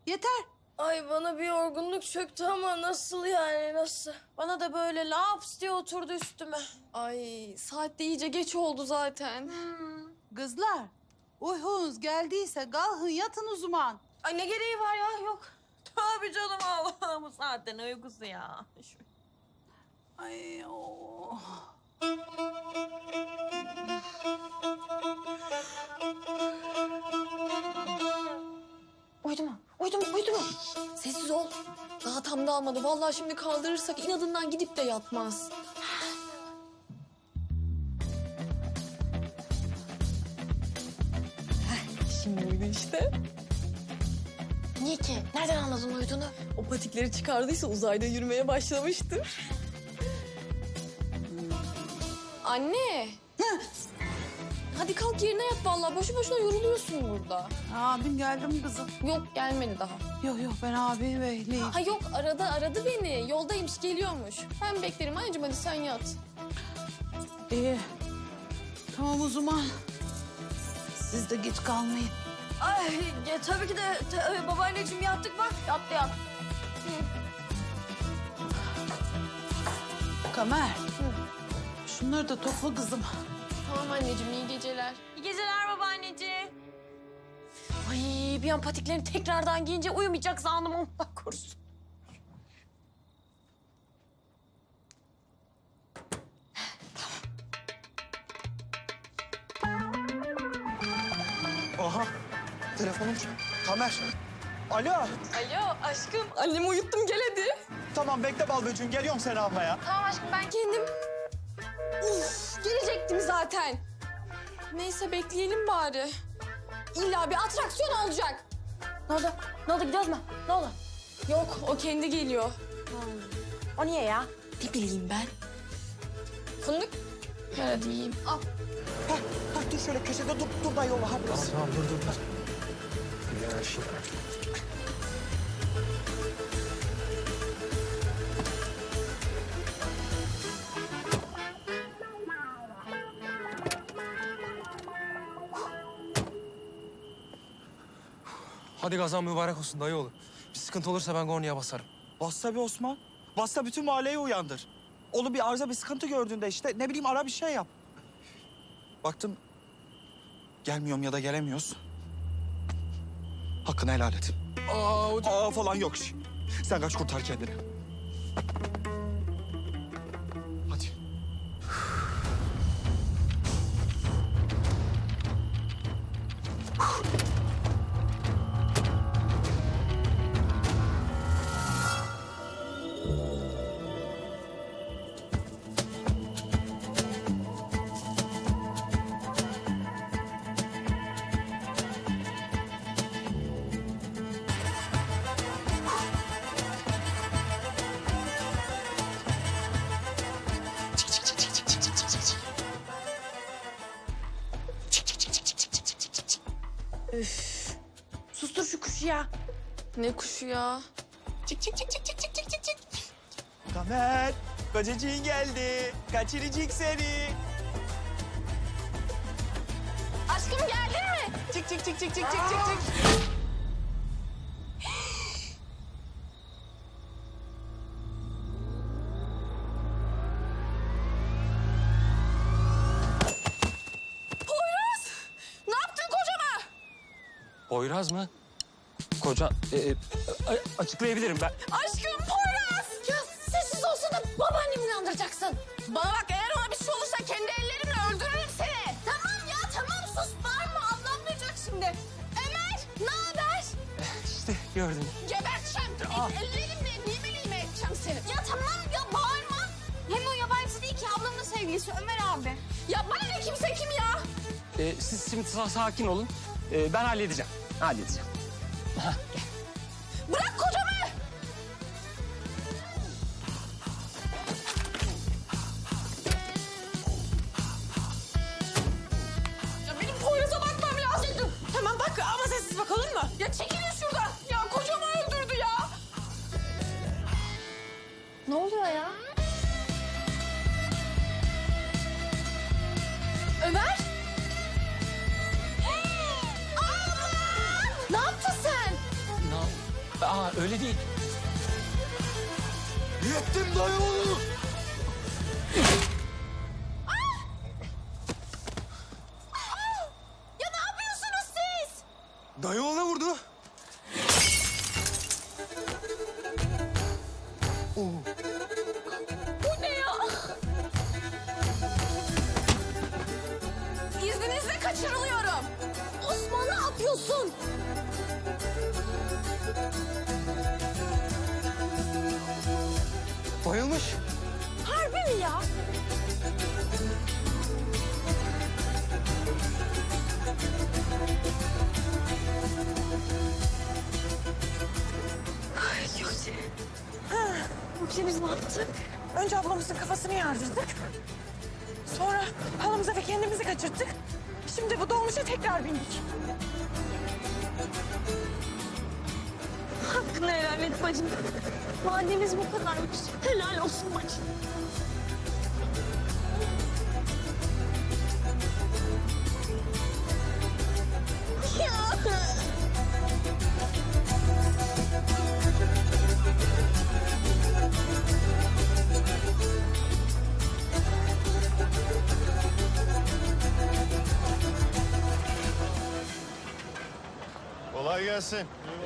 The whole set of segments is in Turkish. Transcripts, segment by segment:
Yeter. Ay bana bir yorgunluk çöktü ama nasıl yani nasıl? Bana da böyle laps diye oturdu üstüme. Ay saat de iyice geç oldu zaten. Kızlar, uykunuz geldiyse kalkın yatın o zaman. Ay ne gereği var ya yok. Tabii canım Allah'ım, bu saatte ne uykusu ya. Ay oh. Uyudu mu? Uyudu mu? Uyudu mu? Sessiz ol. Daha tam da almadı. Vallahi şimdi kaldırırsak inadından gidip de yatmaz. Şimdi uyudu işte. Niye ki? Nereden anladın uyuduğunu? O patikleri çıkardıysa uzayda yürümeye başlamıştır. Anne. Hadi kalk yerine yat vallahi. Boşu boşuna yoruluyorsun burada. Abin geldi mi kızım? Yok gelmedi daha. Yok ben abimi bekleyeyim. Ha yok aradı beni. Yoldaymış geliyormuş. Ben beklerim anneciğim hadi sen yat. İyi. Tamam o zaman. Siz de geç kalmayın. Ay tabii ki de babaanneciğim yattık bak. Yat. Kamer. Şunları da topla kızım. Tamam anneciğim iyi geceler. İyi geceler babaanneciğim. Ay bir an patiklerini tekrardan giyince uyumayacak sandım Allah korusun. Aha, telefonum. Kamer. Alo. Alo aşkım annemi uyuttum gel hadi. Tamam bekle bal böceğim. Geliyorum seni almaya. Tamam aşkım ben kendim... Uf, gelecektim zaten. Neyse bekleyelim bari. İlla bir atraksiyon olacak. Ne oldu? Ne oldu, gidiyoruz mu? Ne oldu? Yok o kendi geliyor. O niye ya? Ne bileyim ben. Fındık. Ver hadi yiyeyim. Al. Hah, dur şöyle köşede dur da yolla. Hadi. Tamam dur. Ya şimdi. Hadi kazan mübarek olsun dayıoğlu. Bir sıkıntı olursa ben kornaya basarım. Bassa bir Osman. Bassa bütün mahalleyi uyandır. Oğlum bir arıza bir sıkıntı gördüğünde işte ne bileyim ara bir şey yap. Baktım gelmiyorum ya da gelemiyoruz. Hakkını helal et. Aa falan yok. Sen kaç kurtar kendini. Hadi. Sustur şu kuşu ya. Ne kuşu ya? Kamer, kocacığın geldi. Kaçıracak seni. Aşkım geldin mi? Çık. Poyraz! Ne yaptın kocama? Poyraz mı? Koca... açıklayabilirim ben. Aşkım Poyraz! Ya sessiz olsana babaannemi inandıracaksın. Bana bak eğer ona bir şey olursa kendi ellerimle öldürürüm seni. Tamam ya tamam sus bağırma ablam duyacak şimdi. Ömer ne haber? İşte gördün. Geberteceğim. Ellerimle lime edeceğim seni. Ya tamam ya bağırma. Hem o yabancı değil ki, ablamın sevgilisi Ömer abi. Ya bana ne kimse kim ya? Siz şimdi sakin olun. Ben halledeceğim. Bırak kocamı. Ya benim Poyraz'a bakmam lazım. Tamam bak ama sessiz bak, olur mu? Ya çekilin şuradan. Ya kocamı öldürdü ya. Ne oluyor ya? Ömer. Ablam! Ne yaptın sen? Ne Aa öyle değil. Yettim dayı oğlu. Ya ne yapıyorsunuz siz? Dayı oğlu vurdu. Bu ne ya? İzninizle kaçırılıyorum. Osman ne yapıyorsun? Bayılmış. Harbi mi ya? Şimdi biz ne yaptık? Önce ablamızın kafasını yardırdık. Sonra halımıza ve kendimizi kaçırttık. Şimdi bu dolmuşa tekrar bindik. Hakkını helal et bacım. Mademiz bu kadarmış. Helal olsun bacım. Ya. Kolay gelsin.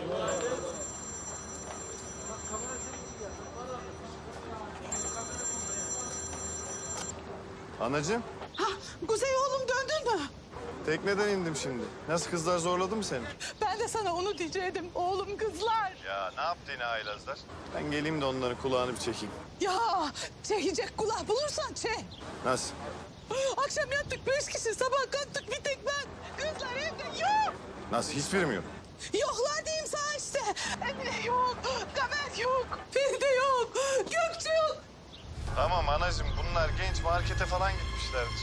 Anacığım, Kuzey oğlum döndün mü? tekneden indim şimdi. Nasıl kızlar zorladı mı seni? Ben de sana onu diyecektim. Oğlum kızlar. Ya ne yaptı yine haylazlar? Ben geleyim de onların kulağını bir çekeyim. Ya çekecek kulak bulursan çek. Nasıl? Akşam yattık 5 kişi, sabah kalktık bir tek ben. Kızlar evde yok. Nasıl? Hiçbiri mi yok? Yoklar diyeyim sana işte. Emine yok, Kamer yok, Feride yok, Gökçe yok. Tamam anacığım, bunlar genç markete falan gitmişlerdir.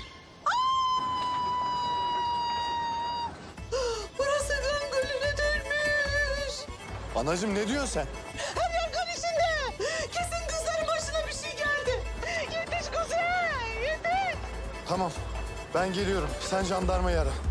Burası kan gölüne dönmüş. Anacığım ne diyorsun sen? Her yer kan içinde. Kesin kızların başına bir şey geldi. Yetiş Kuzey, yetiş. Tamam, ben geliyorum. Sen jandarmayı ara.